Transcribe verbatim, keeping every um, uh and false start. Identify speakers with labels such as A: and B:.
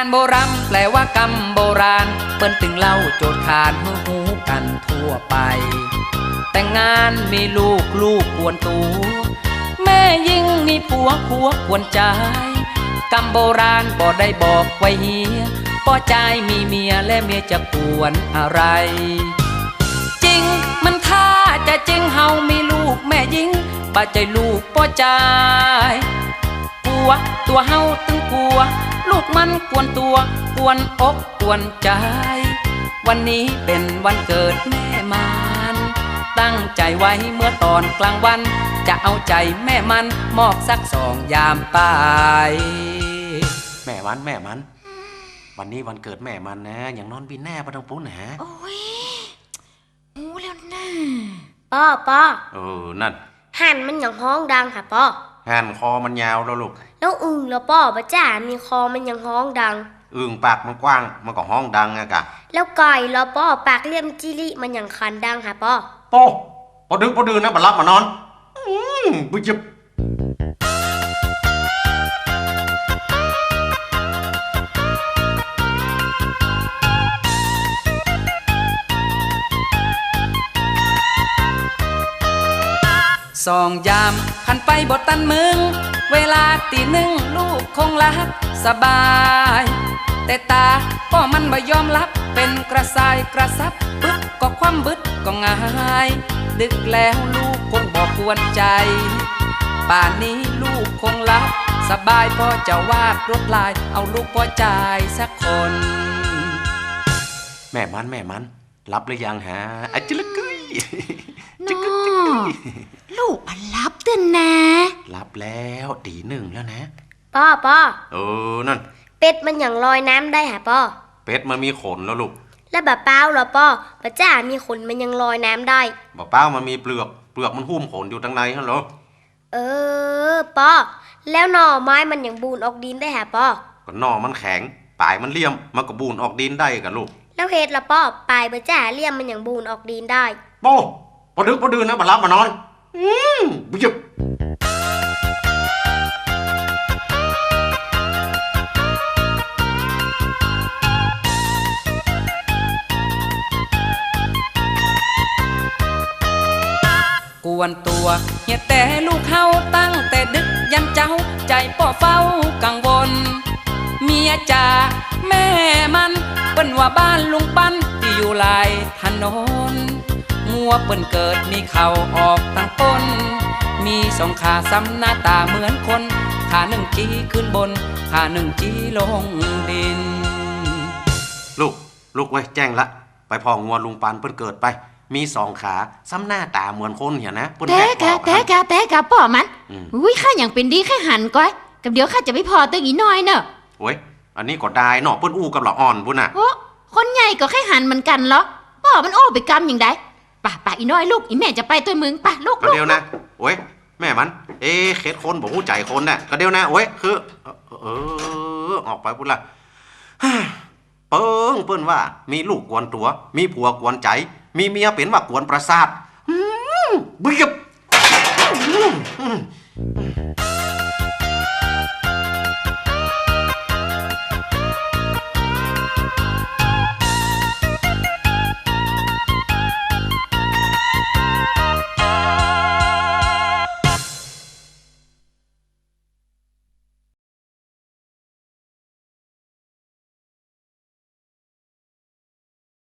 A: โบราณแปลว่ากรรมโบราณเปิ้นตึงเล่าโจทย์ขานหูหูกันทั่วไปแต่งงานมีลูกลูกกวนตัวแม่ยิ่งมีผัวผัวกวนใจกรรมโบราณบ่ได้บอกไว้เฮียป้อใจมีเมียและเมียจะกวนอะไรจริงมันท่าจะจริงเฮามีลูกแม่ยิงป้าใจลูกป้อใจกลัวตัวเฮาตึงกลัวลูกมันกวนตัวกวนอกกวนใจวันนี้เป็นวันเกิดแม่มันตั้งใจไว้เมื่อตอนกลางวันจะเอาใจแม่มันมอบสักสองยามตาย
B: แม่มันแม่มันวันนี้วันเกิดแม่มันนะอย่างนอนบินแน่ปะทังปุ๊นนะ
C: โอ้ยรู้แล้วนะป้อป้อ
B: เออนั่น
C: หันมันอย่างห้องดังค่ะป้อ
B: หันคอมันยาวแล้วลูก
C: แล้วอึ่งแล้วป้อป้าจ๋ามีคอมันอย่างห้องดัง
B: อึ่งปากมันกว้างมันก็ห้องดังอะกะ
C: แล้วไก่แล้วป้อปากเลี่ยมจิริมันอย่างคันดังค่ะป้อ
B: โป้พอดึกพอดื่นนะบัดรับมานอนอืมบุจิบ
A: สองยามพันไปบทตันมึงเวลาตีหนึ่งลูกคงหลับสบายแต่ตาก็มันไม่ยอมรับเป็นกระสายกระซับปึ๊บก็คว่ำบึดก็ง่ายดึกแล้วลูกคงบอกกวนใจป่านนี้ลูกคงหลับสบายพอจะวาดรถลายเอาลูกพอใจสักคน
B: แม่มันแม่มันรับหรือยังฮะอะจิลึกกุ้ย
C: จิกจิกลูกมันรับเตือนนะ
B: รับแล้วตีหนึ่งแล้วนะ
C: ป้อป้อ
B: เออนั่น
C: เป็ดมันอย่างลอยน้ำได้หะป้อ
B: เป็ดมันมีขนแล้วลูก
C: แล้วบะเป้าเหรอป้อป้าจ๋ามีขนมันยังลอยน้ำได้
B: บะเป้ามันมีเปลือกเปลือกมันหุ้มขนอยู่ทั้งในฮัลโหล
C: เออป้อแล้วหน่อไม้มันอย่างบูนออกดินได้หะป้อ
B: ก็หน่อมันแข็งปลายมันเลี่ยมมันก็บูนออกดินได้กันลูก
C: แล้วเฮ็ดละป้อปลายป้าจ๋าเลี่ยมมันอย่างบูนออกดินได้
B: โป้พอดึกพอดื่นนะบัดรับมานอนอืมบุจิบ
A: กวนตัวเฮียแต่ลูกเฮาตั้งแต่ดึกยันเจ้าใจป่อเฝ้ากังวลเมียจ่าแม่มันเปิ้นว่าบ้านลุงปั้นที่อยู่ลายถนนงัวเปิ้นเกิดมีเข่าออกตั้งต้นมีสองขาซ้ำหน้าตาเหมือนคนขาหนึ่งจี้ขึ้นบนขาหนึ่งจี้ลงดิน
B: ลูกลูกไว้แจ้งละไปพองัวลุงปันเปิ้นเกิดไปมีสองขาซ้ำหน้าตาเหมือนคนเห็นนะ
D: แต่กะแต่กะแต่กะป่อมันอุ้ยข้าอย่างเป็นดีแค่หันก้อยกับเดี๋ยวข้าจะไม่พอตัวอีน้อยเนอะ
B: โอ้ยอันนี้ก็ได้เนาะเปิ้นอู้กับหล่ออ่อนพุ่นน่ะ
D: โอ้คนใหญ่ก็แค่หันเหมือนกันเหรอป่อมันโอ้ไปกำอย่างใดป่ะป่ะอีน้อยลูกอีแม่จะไปตัวมึงป่ะลูก
B: ก็เดี๋ยวนะโอ้ยแม่มันเอ๊ะเคสคนบอกหูใจคนน่ะก็เดี๋ยวนะโอ้ยคือเออออกไปพุ่นละเปิ้งเปิ้นว่ามีลูกกวนตัวมีผัวกวนใจมีเมียเป็นว่ากวนประสาทบึ้ย